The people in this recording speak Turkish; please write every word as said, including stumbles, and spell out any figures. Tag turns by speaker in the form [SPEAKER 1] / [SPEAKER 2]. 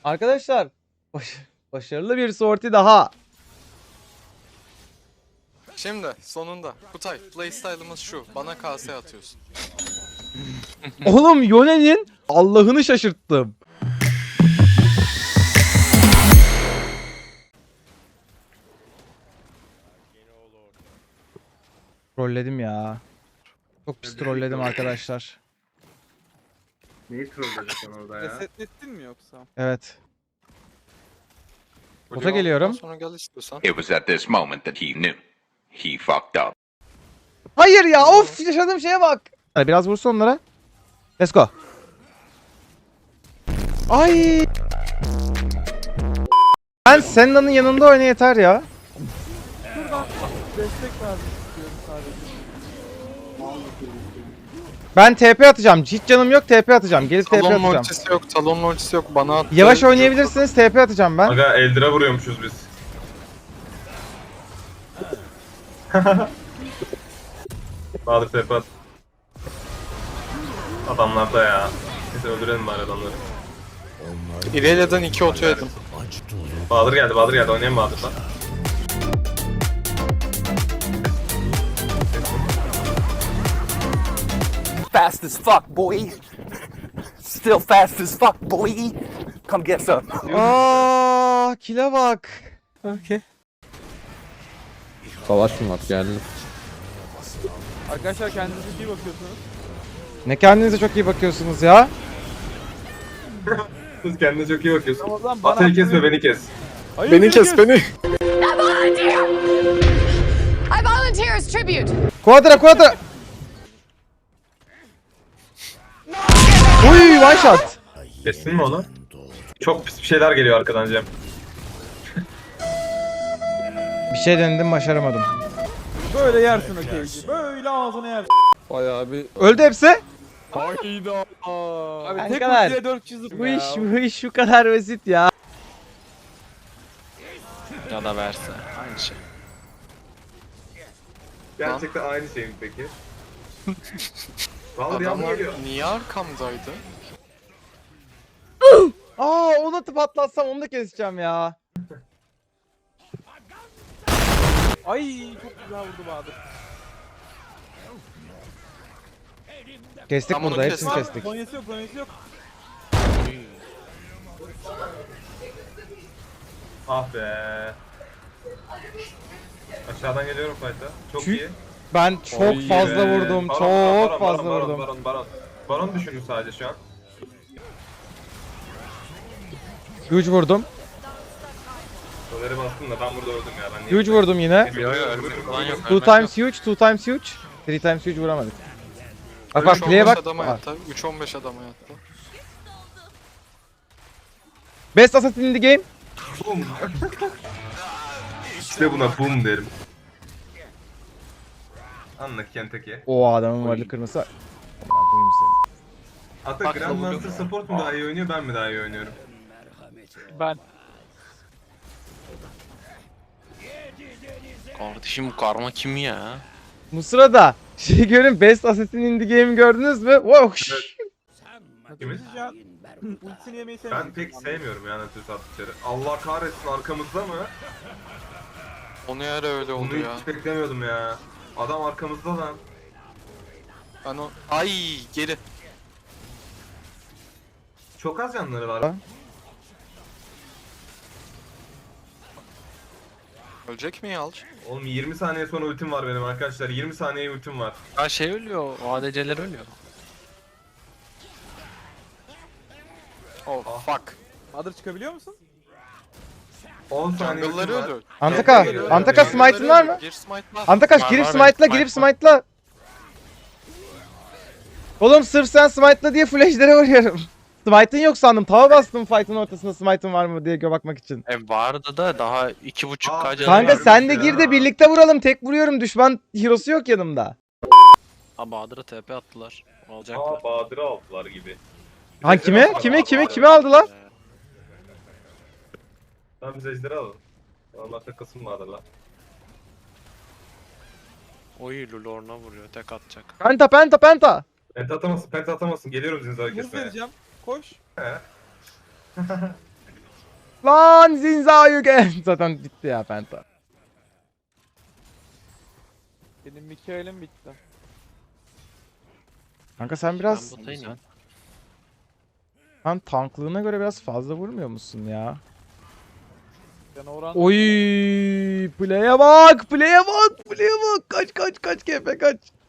[SPEAKER 1] Arkadaşlar baş- başarılı bir sorti daha.
[SPEAKER 2] Şimdi sonunda Kutay playstyle'ımız şu. Bana K S atıyorsun.
[SPEAKER 1] Oğlum Yone'nin Allah'ını şaşırttım. Trolledim ya. Çok pis trolledim arkadaşlar.
[SPEAKER 3] Neyi trolledin sen orada ya?
[SPEAKER 4] Resetlettin mi yoksa?
[SPEAKER 1] Evet. Bota
[SPEAKER 2] Blue
[SPEAKER 1] geliyorum.
[SPEAKER 2] aldıktan Sonra gel istiyorsan.
[SPEAKER 5] It was at this moment that he knew. He fucked up.
[SPEAKER 1] Hayır ya, of, yaşadığım şeye bak. Hadi biraz vursun onlara. Let's go. Ay. Ben Senna'nın yanında oyna yeter ya.
[SPEAKER 4] Şuradan destek vermek istiyorum sadece.
[SPEAKER 1] Ben T P atacağım. Hiç canım yok, T P atacağım. Gelip T P
[SPEAKER 2] Talon
[SPEAKER 1] atacağım.
[SPEAKER 2] ultisi yok, talon ultisi yok. Bana attı.
[SPEAKER 1] Yavaş oynayabilirsiniz, T P atacağım ben.
[SPEAKER 3] Aga Eldir'e vuruyormuşuz biz. Bahadır tepe at. Adamlarda ya. Neyse öldürelim bari adamları.
[SPEAKER 2] İrelia'dan iki otu yedim.
[SPEAKER 3] Bahadır geldi, Bahadır geldi. Oynayalım Bahadır'la.
[SPEAKER 6] Fast as fuck, boy. Still fast as fuck, boy. Come get some.
[SPEAKER 1] Aa, kile bak.
[SPEAKER 7] Savaş mı var geldi?
[SPEAKER 4] Arkadaşlar kendinize iyi bakıyorsunuz.
[SPEAKER 1] Ne kendinize çok iyi bakıyorsunuz ya.
[SPEAKER 3] Siz kendine çok iyi bakıyorsun.
[SPEAKER 4] O zaman bana
[SPEAKER 3] Atayı kesme,
[SPEAKER 4] hakkını-
[SPEAKER 3] beni kes.
[SPEAKER 4] Hayır,
[SPEAKER 2] Beni kes beni.
[SPEAKER 8] I volunteer as tribute.
[SPEAKER 1] Quadra, quadra. Uy, one shot.
[SPEAKER 3] Kestin mi onu? Çok pis bir şeyler geliyor arkadan Cem.
[SPEAKER 1] Bir şey denedim, başaramadım.
[SPEAKER 4] Böyle yersin o keyfi. Böyle ağzına yersin.
[SPEAKER 2] Bayağı bir...
[SPEAKER 1] Öldü hepsi.
[SPEAKER 2] Hayda.
[SPEAKER 4] Abi
[SPEAKER 1] Ay,
[SPEAKER 4] tek
[SPEAKER 1] kadar.
[SPEAKER 4] ultiye dört yüz
[SPEAKER 1] Bu iş, bu iş şu kadar basit ya.
[SPEAKER 2] Ya da verse. Aynı şey.
[SPEAKER 3] Gerçekten aynı şey mi peki? Bahadır yanına
[SPEAKER 2] Adamlar
[SPEAKER 3] geliyor.
[SPEAKER 2] niye arkamdaydı?
[SPEAKER 1] Aa, onu atıp atlatsam onu da keseceğim ya.
[SPEAKER 4] Ay çok güzel vurdu Bahadır.
[SPEAKER 1] Kestik
[SPEAKER 2] Tam onu
[SPEAKER 1] burada, hepsini
[SPEAKER 2] kestim.
[SPEAKER 1] kestik.
[SPEAKER 4] Zonyası yok, zonyası yok.
[SPEAKER 3] Ah be. Aşağıdan geliyorum fight'a. Çok
[SPEAKER 1] Çü-
[SPEAKER 3] iyi.
[SPEAKER 1] Ben çok
[SPEAKER 3] Oy
[SPEAKER 1] fazla
[SPEAKER 3] be.
[SPEAKER 1] vurdum,
[SPEAKER 3] Baron,
[SPEAKER 1] çok
[SPEAKER 3] baron,
[SPEAKER 1] fazla
[SPEAKER 3] baron,
[SPEAKER 1] vurdum.
[SPEAKER 3] Baron, baron, baron. Baron düşünün sadece şu an.
[SPEAKER 1] Huge vurdum.
[SPEAKER 3] Soleri bastım da ben burada öldüm ya. Ben niye-
[SPEAKER 1] Huge vurdum yine.
[SPEAKER 3] Yo, yo, ölürüm, ölürüm.
[SPEAKER 1] Two times huge, two times huge. Three times huge vuramadık. Bak bak, play'e bak.
[SPEAKER 2] adama
[SPEAKER 1] Aa.
[SPEAKER 2] yattı. üç on beş adama yattı.
[SPEAKER 1] Best assassin in the game.
[SPEAKER 3] Boom. İşte buna boom derim. Anla Kentucky.
[SPEAKER 1] O adamın varlık kırması. Aman koyayım seni.
[SPEAKER 3] Hatta
[SPEAKER 2] Bak,
[SPEAKER 3] Grandmaster Support mu daha iyi oynuyor, ben mi daha iyi oynuyorum?
[SPEAKER 4] Ben.
[SPEAKER 9] Kardeşim karma kim ya?
[SPEAKER 1] Bu sırada şey görün, Best Assassin in the Game'i gördünüz mü? Wow.
[SPEAKER 3] Kimin?
[SPEAKER 4] Can ultisini yemeyi
[SPEAKER 3] Ben
[SPEAKER 4] sevmiyorum.
[SPEAKER 3] pek sevmiyorum ya Nautilus attıkları. Allah kahretsin, arkamızda mı?
[SPEAKER 2] Onu yer öyle oldu
[SPEAKER 3] Bunu
[SPEAKER 2] ya.
[SPEAKER 3] hiç beklemiyordum ya. Adam arkamızda lan.
[SPEAKER 2] Ben o... Ay geri.
[SPEAKER 3] Çok az yanları var.
[SPEAKER 1] Ha?
[SPEAKER 2] Ölecek mi Yalç?
[SPEAKER 3] Oğlum yirmi saniye sonra ultim var benim arkadaşlar. yirmi saniye ultim var.
[SPEAKER 9] Ya şey ölüyor, A D C'ler ölüyor.
[SPEAKER 2] Oh fuck.
[SPEAKER 4] Bahadır çıkabiliyor musun?
[SPEAKER 3] on saniye ultim
[SPEAKER 2] Jungle'ları
[SPEAKER 3] var.
[SPEAKER 2] ölüyor.
[SPEAKER 1] Antaka,
[SPEAKER 2] Jungle'ları
[SPEAKER 1] Antaka
[SPEAKER 2] ölüyor.
[SPEAKER 1] smite'ın var mı?
[SPEAKER 2] Gir smite'la.
[SPEAKER 1] Antakaş
[SPEAKER 9] Var,
[SPEAKER 1] girip
[SPEAKER 9] var,
[SPEAKER 1] smite'la,
[SPEAKER 9] benim
[SPEAKER 1] girip
[SPEAKER 9] smite var.
[SPEAKER 1] smite'la. Oğlum sırf sen smite'la diye full ejder'e vuruyorum. Smite'ın yok sandım. Tava bastım fight'ın ortasında smite'ın var mı diye gö bakmak için.
[SPEAKER 9] E vardı da daha iki buçuk
[SPEAKER 3] Aa,
[SPEAKER 9] K canı
[SPEAKER 1] Kanka
[SPEAKER 9] var.
[SPEAKER 1] sen de
[SPEAKER 3] ya.
[SPEAKER 1] gir de birlikte vuralım. Tek vuruyorum. Düşman hero'su yok yanımda.
[SPEAKER 9] Ha Bahadır'a T P attılar.
[SPEAKER 3] Aa
[SPEAKER 9] Alacaklar.
[SPEAKER 3] Bahadır'ı aldılar gibi.
[SPEAKER 1] Ha kime? Kime? Kime? Kime aldılar?
[SPEAKER 3] Tamam biz ejderi alalım. Allah takılsın Bahadır'la.
[SPEAKER 9] Oy Lulorna vuruyor, tek atacak.
[SPEAKER 1] Penta, penta, penta.
[SPEAKER 3] Penta atamazsın, penta atamazsın. Geliyorum zinzara
[SPEAKER 4] Muz
[SPEAKER 3] kesmeye.
[SPEAKER 4] vereceğim. Koş.
[SPEAKER 1] Lan Zinzayugen. Zaten bitti ya Penta.
[SPEAKER 4] Benim Mikael'im bitti.
[SPEAKER 1] Kanka sen biraz
[SPEAKER 9] Ben botayım.
[SPEAKER 1] sen tanklığına göre biraz fazla vurmuyor musun ya?
[SPEAKER 4] Yani oran
[SPEAKER 1] Oy, play'e bak, play'e bak, play'e bak. Kaç kaç kaç K P kaç.